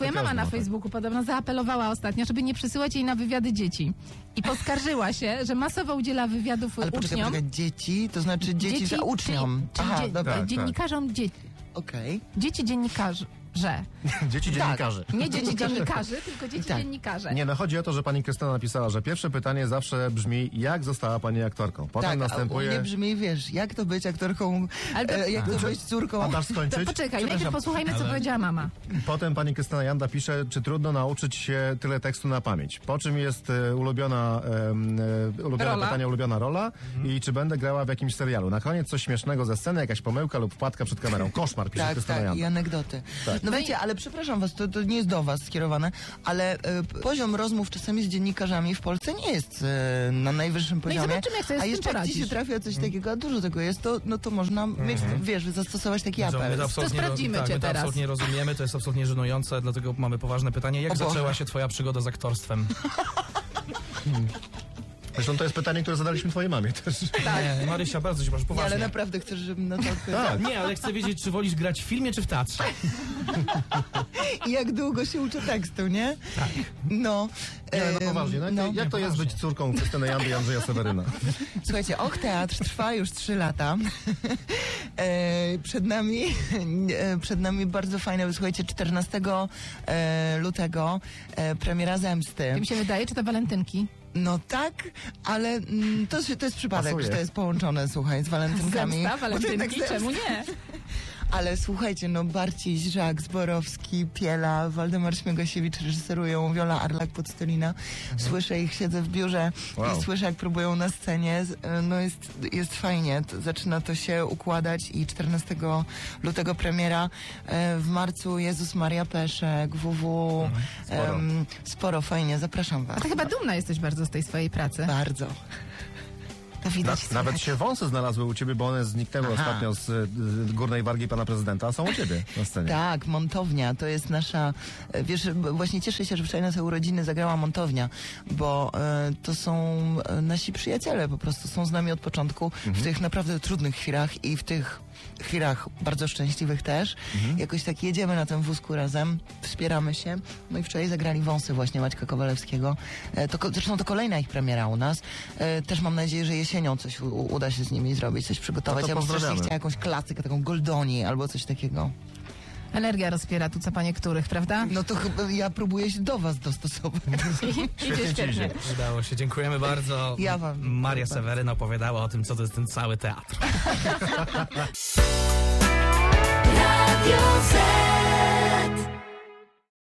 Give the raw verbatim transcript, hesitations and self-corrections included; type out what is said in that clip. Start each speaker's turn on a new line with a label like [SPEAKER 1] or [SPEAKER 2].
[SPEAKER 1] Twoja mama na
[SPEAKER 2] ma,
[SPEAKER 1] Facebooku podobno zaapelowała ostatnio, żeby nie przysyłać jej na wywiady dzieci. I poskarżyła się, że masowo udziela wywiadów
[SPEAKER 3] Ale poczekaj,
[SPEAKER 1] uczniom.
[SPEAKER 3] poczekaj, dzieci, to znaczy dzieci, za uczniom.
[SPEAKER 1] Czyli, czyli
[SPEAKER 3] Aha,
[SPEAKER 1] dzie-
[SPEAKER 3] dobra.
[SPEAKER 2] tak.
[SPEAKER 1] dziennikarzom dzieci.
[SPEAKER 3] Okej.
[SPEAKER 1] Dzieci dziennikarzy. Że.
[SPEAKER 2] Dzieci dziennikarzy.
[SPEAKER 1] Nie dzieci dziennikarzy, tylko dzieci
[SPEAKER 3] Tak.
[SPEAKER 1] dziennikarze.
[SPEAKER 2] Nie, no chodzi o to, że pani Krystyna napisała, że pierwsze pytanie zawsze brzmi, jak została pani aktorką? Potem
[SPEAKER 3] Tak,
[SPEAKER 2] następuje...
[SPEAKER 3] a u mnie brzmi, wiesz, jak to być aktorką,
[SPEAKER 1] Ale to-
[SPEAKER 3] e, jak to być córką.
[SPEAKER 2] A dasz skończyć?
[SPEAKER 1] Poczekaj, najpierw
[SPEAKER 2] Przepraszam.
[SPEAKER 1] posłuchajmy, co powiedziała mama.
[SPEAKER 2] Potem pani Krystyna Janda pisze, czy trudno nauczyć się tyle tekstu na pamięć. Po czym jest e, ulubiona, e, ulubione
[SPEAKER 1] Rola.
[SPEAKER 2] pytanie, ulubiona rola i czy będę grała w jakimś serialu. Na koniec coś śmiesznego ze sceny, jakaś pomyłka lub wpadka przed kamerą. Koszmar, pisze
[SPEAKER 3] Tak,
[SPEAKER 2] Krystyna
[SPEAKER 3] tak,
[SPEAKER 2] Janda.
[SPEAKER 3] i anegdoty.
[SPEAKER 2] Tak.
[SPEAKER 3] No wiecie, ale przepraszam was, to, to nie jest do was skierowane, ale e, poziom rozmów czasami z dziennikarzami w Polsce nie jest e, na najwyższym poziomie.
[SPEAKER 1] zobaczymy, jak sobie z
[SPEAKER 3] a
[SPEAKER 1] tym
[SPEAKER 3] jeszcze jak ci się
[SPEAKER 1] poradzisz.
[SPEAKER 3] trafia coś takiego, a dużo tego jest, to, no to można mieć, wiesz, zastosować taki
[SPEAKER 4] Że my
[SPEAKER 3] apel.
[SPEAKER 4] to absolutnie,
[SPEAKER 1] sprawdzimy
[SPEAKER 4] tak,
[SPEAKER 1] cię
[SPEAKER 4] my to
[SPEAKER 1] teraz.
[SPEAKER 4] absolutnie rozumiemy, to jest absolutnie żenujące, dlatego mamy poważne pytanie. Jak
[SPEAKER 3] O Boże.
[SPEAKER 4] zaczęła się twoja przygoda z aktorstwem?
[SPEAKER 2] Zresztą to jest pytanie, które zadaliśmy twojej mamie też.
[SPEAKER 4] Nie, Marysia, bardzo się proszę,
[SPEAKER 3] Nie, ale
[SPEAKER 4] poważnie.
[SPEAKER 3] naprawdę chcesz, żebym na to odpowiedziała?
[SPEAKER 2] Tak.
[SPEAKER 4] Nie, ale chcę wiedzieć, czy wolisz grać w filmie, czy w teatrze?
[SPEAKER 3] I jak długo się uczy tekstu, nie? Tak. No.
[SPEAKER 2] Nie, no
[SPEAKER 3] em,
[SPEAKER 2] poważnie, no,
[SPEAKER 3] no.
[SPEAKER 2] jak to jest być córką Krystyny Jandy i Andrzeja Seweryna?
[SPEAKER 3] Słuchajcie, Och Teatr trwa już trzy lata. E, przed nami e, przed nami bardzo fajne, słuchajcie, czternastego e, lutego e, premiera Zemsty.
[SPEAKER 1] Tym się wydaje, czy to walentynki?
[SPEAKER 3] No tak, ale mm, to, się- to jest przypadek,
[SPEAKER 2] Pasuje.
[SPEAKER 3] że to jest połączone, słuchaj, z walentynkami.
[SPEAKER 1] Zemsta,
[SPEAKER 3] Bo to jednak
[SPEAKER 1] walentynki,
[SPEAKER 3] zemsta.
[SPEAKER 1] czemu nie?
[SPEAKER 3] Ale słuchajcie, no Barciś, Żak, Zborowski, Piela, Waldemar Śmiegosiewicz reżyserują, Wiola Arlak-Podstolina. Słyszę ich, siedzę w biurze
[SPEAKER 2] Wow.
[SPEAKER 3] i słyszę, jak próbują na scenie. Z- No jest, jest fajnie, to, zaczyna to się układać i czternastego lutego premiera. E, W marcu Jezus Maria Peszek, W W.
[SPEAKER 2] Sporo.
[SPEAKER 3] Em, sporo, fajnie, zapraszam was.
[SPEAKER 1] A ty chyba dumna jesteś bardzo z tej swojej pracy.
[SPEAKER 3] Bardzo. To
[SPEAKER 2] Na,
[SPEAKER 3] widać.
[SPEAKER 2] nawet
[SPEAKER 3] słychać.
[SPEAKER 2] się wąsy znalazły u ciebie, bo one zniknęły
[SPEAKER 3] Aha.
[SPEAKER 2] ostatnio z y, górnej wargi pana prezydenta, a są u ciebie na scenie.
[SPEAKER 3] Tak, Montownia, to jest nasza, e, wiesz, b- właśnie cieszę się, że wczoraj na te urodziny zagrała Montownia, bo e, to są e, nasi przyjaciele, po prostu są z nami od początku w tych naprawdę trudnych chwilach i w tych chwilach bardzo szczęśliwych też. Jakoś tak jedziemy na tym wózku razem, wspieramy się. No i wczoraj zagrali Wąsy właśnie Maćka Kowalewskiego. E, to, ko- zresztą to kolejna ich premiera u nas. E, też mam nadzieję, że jesienią coś u, uda się z nimi zrobić, coś przygotować.
[SPEAKER 2] No to
[SPEAKER 3] Ja bym strasznie
[SPEAKER 2] pozdrawiamy.
[SPEAKER 3] chciała jakąś klasykę, taką Goldoni albo coś takiego.
[SPEAKER 1] Energia rozpiera tu co panie których, prawda?
[SPEAKER 3] No to chyba ja próbuję się do was dostosować.
[SPEAKER 1] Idzie
[SPEAKER 2] ci idzie.
[SPEAKER 4] Udało się, dziękujemy bardzo.
[SPEAKER 3] Ja wam dziękuję
[SPEAKER 4] Maria
[SPEAKER 3] bardzo.
[SPEAKER 4] Seweryna opowiadała o tym, co to jest ten cały teatr.